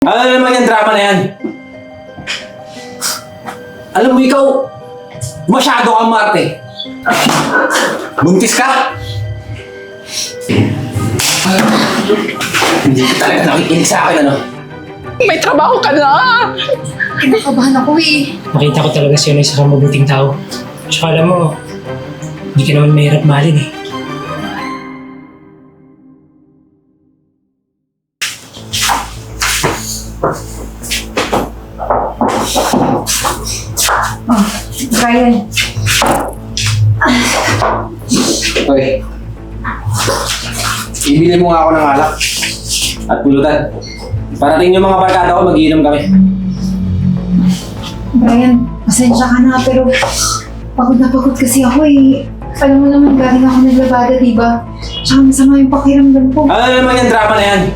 Ano naman yung drama na yan? Alam mo ikaw, masyado kang Marte. Buntis ka? Hindi ka talaga nakikinig sa akin, ano? May trabaho ka na! Kinakabahan ako eh. Nakita ko talaga siya na isa kang mabuting tao. Tsaka alam mo, hindi ka naman mahirap mahalin eh. Oh, Brian. Hoy. Ibili mo nga ako ng alak. At pulutan. Parating yung mga barkada ko, mag-iinom kami. Brian, pasensya ka na pero pagod na pagod kasi ako eh. Alam mo naman galing ako naglabada, di ba? Tsaka masama yung pakiramdam ko. Ano naman yung drama na yan?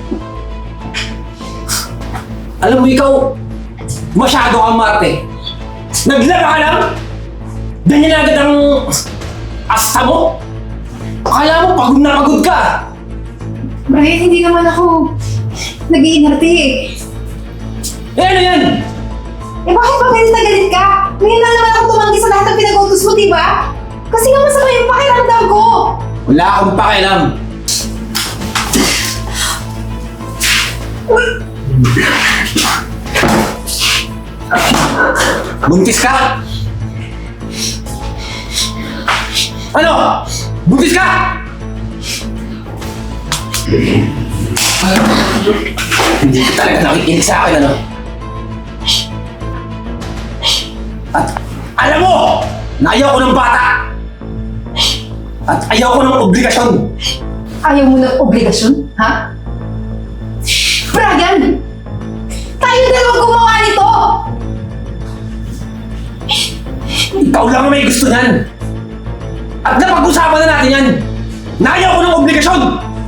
Alam mo ikaw, masyado kang Marte. Naglaba ka lang? Ganyan na agad ang asta mo? Akala mo pagod na pagod ka? Brian, hindi naman ako nag-iinarte eh. Eh ano yan? Eh bakit ba galit na galit ka? Ngayon lang naman ako tumanggi sa lahat ng pinag-utos mo, di ba? Kasi nga masama yung pakiramdam ko. Wala akong pakialam. Buntis ka? Ano? Buntis ka? Hindi ka talaga nakikinig sa akin, ano? At alam mo, na ayaw ko ng bata! At ayaw ko ng obligasyon! Ayaw mo ng obligasyon, ha? Brian! Tayo dalawang gumawa nito! Ikaw lang ang may gusto niyan! At napag-usapan na natin yan! Na ayaw ko ng obligasyon!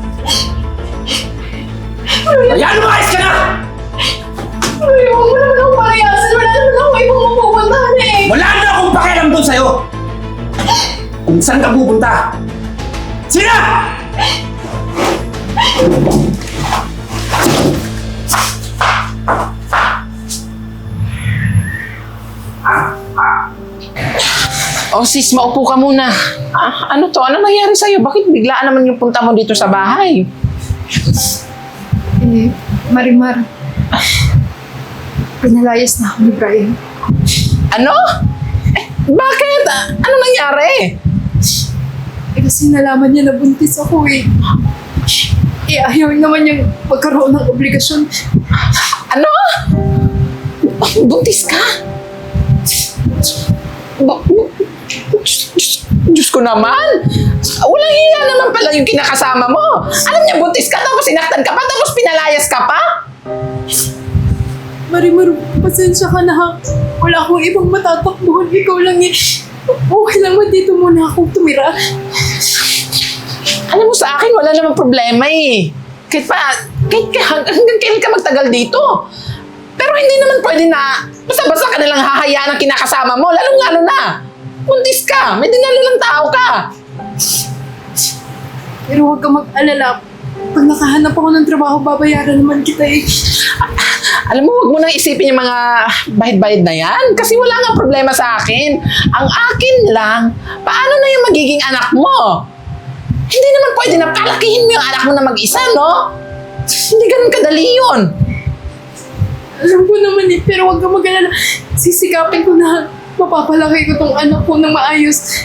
Kaya lumayas ka na! Brian, huwag mo naman akong pakayasan. Wala naman ako ibang mapupuntahan eh. Wala na akong pakialam doon sa'yo! Kung saan ka pupunta! Sina! Oh sis, maupo ka muna. Ano to? Ano nangyari sa'yo? Bakit biglaan naman yung punta mo dito sa bahay? Eh, Marimar. Pinalayas na ako ni Brian. Ano? Bakit? Ano nangyari? Eh kasi nalaman niya na buntis ako eh. Eh ayaw naman niyang magkaroon ng obligasyon. Ano? Buntis ka? Diyos ko naman! Walang hiya naman pala yung kinakasama mo. Alam niya, buntis ka tapos sinaktan ka pa tapos pinalayas ka pa? Marimar, pasensya ka na ha. Wala akong ibang matatakbuhan. Ikaw lang eh. Okay lang ba dito muna akong tumira? Alam mo sa akin, wala namang problema eh. Kahit hanggang kailan ka magtagal dito. Pero hindi naman pwede na basta-basta ka nalang hahayaan ang kinakasama mo, lalong-lalo na. Buntis ka, may dinalalang tao ka. Pero huwag ka mag-alala. Pag nakahanap ako ng trabaho, babayaran naman kita eh. Alam mo, huwag mo nang isipin yung mga bahid-bahid na yan. Kasi wala nga problema sa akin. Ang akin lang, paano na yung magiging anak mo? Hindi naman pwede na palakihin mo yung anak mo na mag-isa, no? Hindi ganun kadali yun. Alam ko naman eh, pero huwag ka mag-alala. Sisikapin ko na mapapalaki ko tong anak ko ng maayos.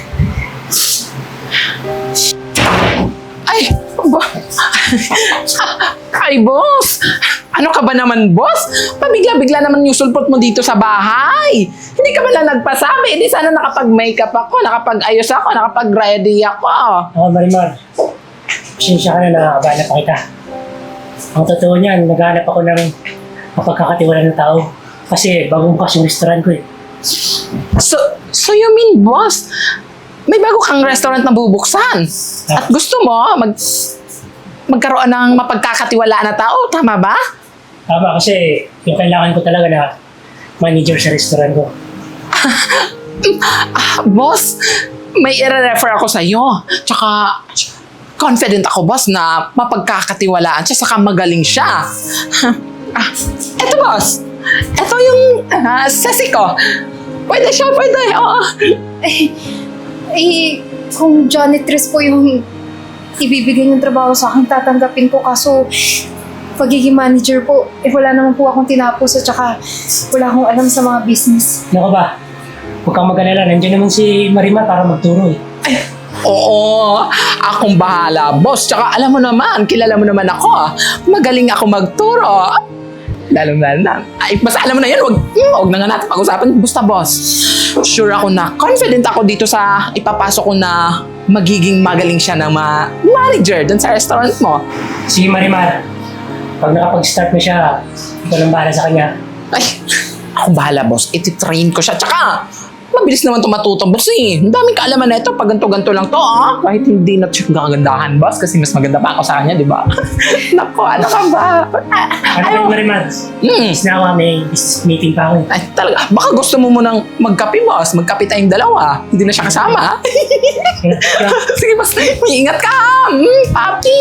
Ay, ay, boss! Ano ka ba naman, boss? Pabigla-bigla naman yung sulpot mo dito sa bahay. Hindi ka ba lang nagpasabi? Hindi sana nakapag-makeup ako, nakapag-ayos ako, nakapag-ready ako. Ako Marimar, pasensya ka na nakakabala pa kita. Ang totoo niyan, naghahanap ako ng mapagkakatiwala ng tao. Kasi bagong bukas yung restaurant ko eh. So you mean, boss, may bago kang restaurant na bubuksan? At gusto mo magkaroon ng mapagkakatiwalaan na tao, tama ba? Tama kasi yung kailangan ko talaga na manager sa restaurant ko. Boss, may i-refer ako sa'yo. Tsaka, confident ako, boss, na mapagkakatiwalaan siya, saka magaling siya. Eto boss. Eto yung sesi ko. Pwede siya, pwede. Oo. Kung janitress po yung ibibigay ng trabaho sa akin, tatanggapin ko. Kaso, pagiging manager po, wala naman po akong tinapos at saka wala akong alam sa mga business. Ano ka ba? Huwag kang mag-alala. Nandiyan naman si Marimar para magturo eh. Oo, akong bahala, boss. Tsaka alam mo naman, kilala mo naman ako. Magaling ako magturo. Lalo na. Ay, basta alam mo na yan, wag na nga natin pag-usapan. Basta, boss, sure ako na confident ako dito sa ipapasok ko na magiging magaling siya ng manager dun sa restaurant mo. Si Marimar, pag nakapag-start na siya, ikaw lang bahala sa kanya. Ay, ako bahala, boss. Iti-train ko siya. Tsaka, mabilis naman ito matuto, boss eh. Ang daming kaalaman na ito. Pag ganito-ganito lang to, Kahit hindi na siya kagandahan, boss. Kasi mas maganda pa ako sa kanya, di ba? Naku, ano ka ba? Ano ba, Marimar? Is na ako, may business meeting pa ako eh. Ay, talaga. Baka gusto mo munang magkape, boss. Magkape tayong dalawa. Hindi na siya kasama. Sige, boss. May ingat ka. Papi.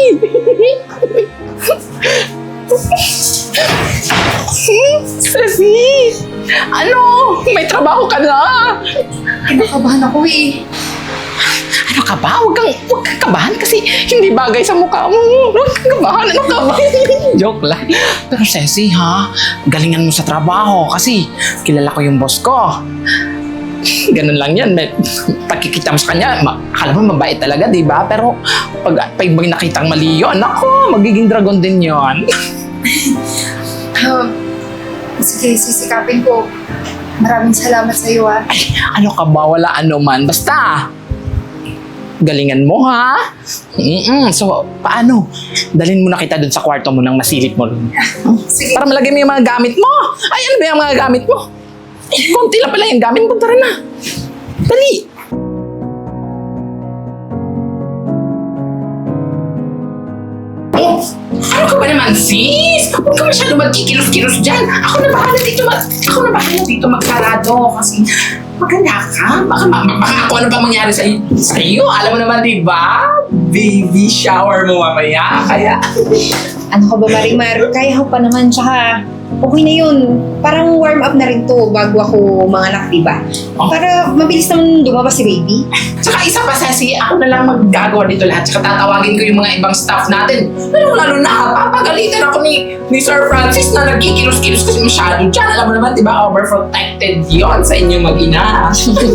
Ceci! Ano? May trabaho ka na? Kinakabahan ako eh. Ano ka ba? Huwag kang kabahan kasi hindi bagay sa mukha mo. Huwag kang kabahan. Ano ka ba? Joke lang. Pero Ceci, galingan mo sa trabaho kasi kilala ko yung boss ko. Ganun lang yan. Pagkikita mo sa kanya, akala mo mabait talaga, di ba? Pero pag may nakitang mali yun, ako, magiging dragon din yun. Sige, sisikapin ko. Maraming salamat sa iyo, Ay, ano ka ba? Wala ano man. Basta, galingan mo, ha? So, paano? Dalhin mo na kita dun sa kwarto mo nang masilip mo. Sige. Para malagay mo yung mga gamit mo. Ay, ano ba yung mga gamit mo? Konti lang pala yung gamit mo. Tara na. Dali. Oh, ano ka ba naman, sis? Huwag ka masyado magkikilos-kilos dyan. Ako na bahala dito magsarado. Kasi maganda ka. Baka ako ano pa mangyari sa'yo. Alam mo naman, di ba? Baby shower mo mamaya. Kaya... Ano ka ba, Marimar? Kaya ko pa naman, tsaka okay na yun. Parang warm up na rin to bago ako manganak, diba? Oh. Para mabilis naman lumabas si baby. Tsaka isa pa, Ceci, ako na lang maggagawa dito lahat. Tsaka tatawagin ko yung mga ibang staff natin. Lalo na, papagalitan ako ni Sir Francis na nagkikilos-kilos kasi masyado dyan. Alam mo naman, di ba, overprotected yon sa inyong mag-ina.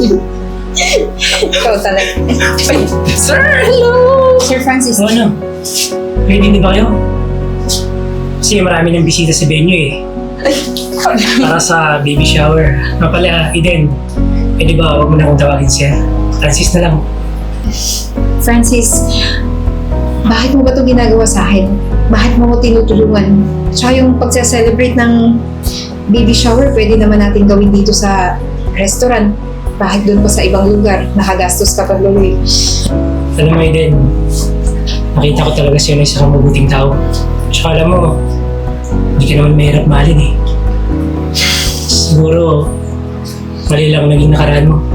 Ikaw talaga. Ay, sir, hello! Sir Francis. So ano? Ready na ba kayo? Kasi marami ng bisita sa venue eh. Para sa baby shower. Nga pala, Eden, pwede ba huwag mo na akong tawagin siya? Francis na lang. Francis, bakit mo ba ito ginagawa sa akin? Bakit mo ko tinutulungan? Tsaka yung pagsa-celebrate ng baby shower, pwede naman natin gawin dito sa restaurant. Bakit doon pa sa ibang lugar? Nakagastos ka pa, Loloy. Alam mo, Eden, nakita ko talaga siya na isang mabuting tao. Tsaka alam mo, hindi ka naman mahirap mahalin eh. Siguro, mali lang naging nakaraan mo.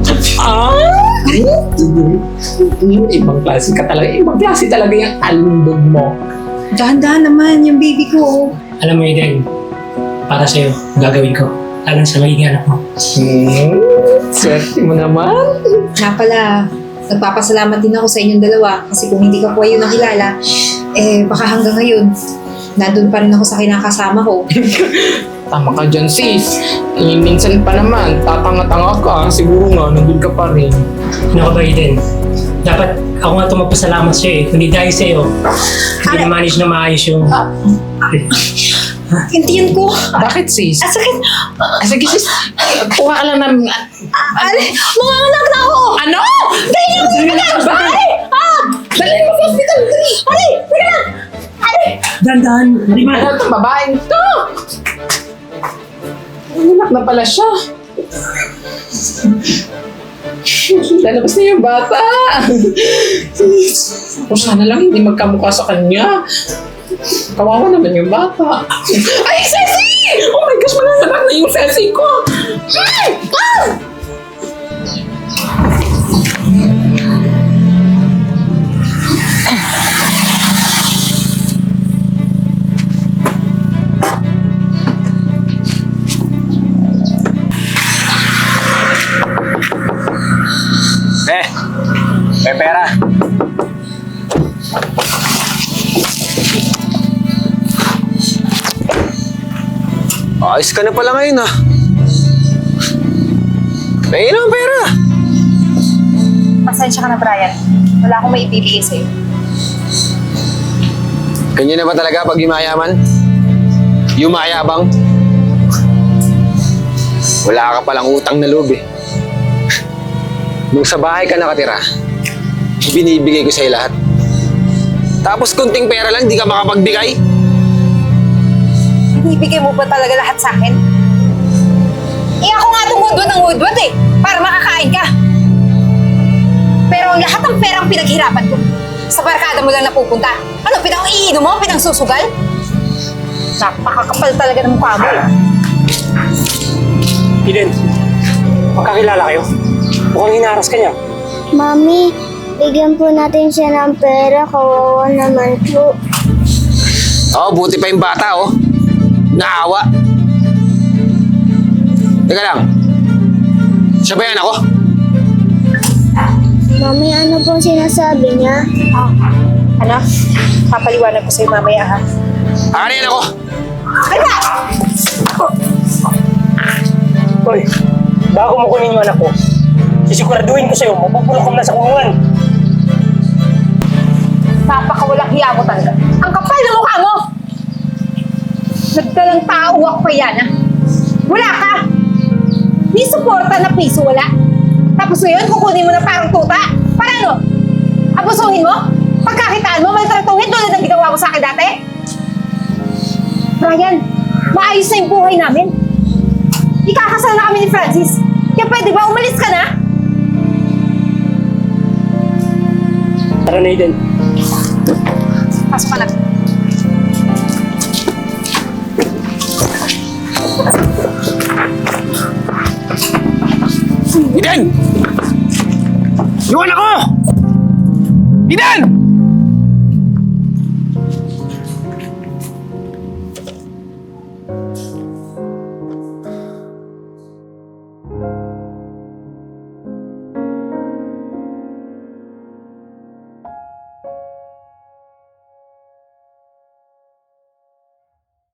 Ibang klase ka talaga. Ibang klase talaga yung alundog mo. Dahan-dahan naman yung baby ko. Alam mo, Eden, para sa'yo, gagawin ko. Alam sa magiging anak mo. Swerte mo naman. Nga pala, nagpapasalamat din ako sa inyong dalawa kasi kung hindi ka po yun nakilala, baka hanggang ngayon, nandun pa rin ako sa kinakasama ko. Tama ka dyan, sis. Minsan pa naman, tatanga-tanga ka. Siguro nga, nandun ka pa rin. Ano ka ba, Eden? Dapat ako nga ito magpasalamat sa'yo eh. Kundi dahil sa'yo, hindi na-manage na maayos yung... Hintiyan ko. Bakit, sis? Sakit. Sige, sis. Kuha ka lang ng... Mga anak na ako. Ano? Dahil mo sa pagkakabay! Dali mo sa hospital! Dali! Teka lang! Dandan! Marimar! Ano itong babaeng to? Anak na pala siya. Lalabas na yung bata. O sana lang hindi magkamukha sa kanya. Kawawa naman yung bata. Ay, Ceci! Oh my gosh, mananganak na yung Ceci ko. Ayos ka na pala ngayon ah. Pahingin ang pera. Pasensya ka na, Brian. Wala akong maibibigay sa'yo. Ganyan na ba talaga pag yumayaman? Yumayabang? Wala ka palang utang na loob eh. Nung sa bahay ka nakatira, binibigay ko sa'yo lahat. Tapos kunting pera lang, di ka makapagbigay? Ibibigay mo ba talaga lahat sa akin? Eh ako nga tumudwad ng woodward eh, para makakain ka. Pero ang lahat ng perang pinaghirapan ko, sa barkada mo lang napupunta. Ano, pinang-iinom mo? Pinang-susugal? Napakakapal talaga ng mukha mo eh. Eden, magkakilala kayo. Mukhang hinaras ka niya. Mami, bigyan po natin siya ng pera. Kawawa naman po. Oo, buti pa yung bata oh. Naawa. Teka lang. Siya ba yan ako? Mami, ano po sinasabi niya? Anak, papaliwanag ko sa'yo mamaya ha. Ano yan ako? Ano ba? Hoy, bago mo kunin yung anak ko, sisiguraduhin ko sa'yo, mapupulok ka na sa kulungan. Napakawalang hiya mo talaga. Ang kapal ng mukha mo! Nagdalang tao ako pa yan, ha? Wala ka! Ni suporta na piso, wala. Tapos ngayon, kukunin mo na parang tuta. Para ano? Abusuhin mo? Pagkakitaan mo, maltratuhin tulad ng ginawa mo sa akin dati? Brian, maayos na yung buhay namin. Ikakasal na kami ni Francis. Kaya pwede ba umalis ka na? Tara na, Eden. Pasok ka na. Eden! Yung anak ko! Eden!